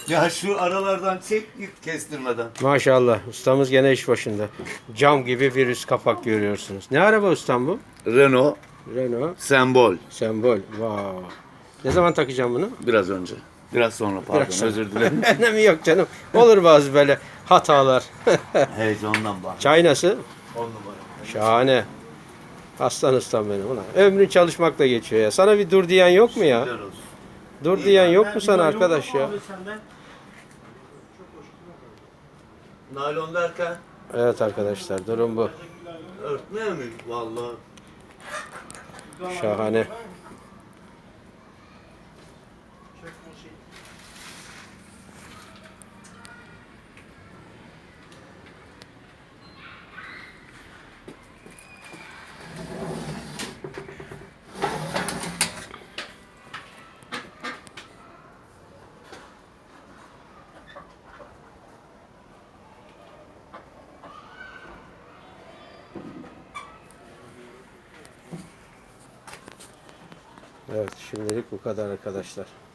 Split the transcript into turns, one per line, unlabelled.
Ya şu aralardan çek git kestirmeden.
Maşallah ustamız gene iş başında. Cam gibi bir üst kapak görüyorsunuz. Ne araba ustam bu?
Renault
Renault
sembol.
Sembol. Wow. Ne zaman takacağım bunu?
Biraz önce. Biraz sonra pardon,
Biraz sonra.
özür dilerim.
Önemi yok canım. Olur bazı böyle hatalar.
Heyecandan bak.
Çay nasıl?
10 numara.
Şahane. Aslan ustam benim. Ulan ömrün çalışmakla geçiyor ya. Sana bir dur diyen yok mu ya?
Güzel olsun.
Dur diyen yok mu sana arkadaş ya?
Naylon derken
Evet arkadaşlar durum bu.
örtmeye mi? Vallahi.
Şahane. Evet şimdilik bu kadar arkadaşlar.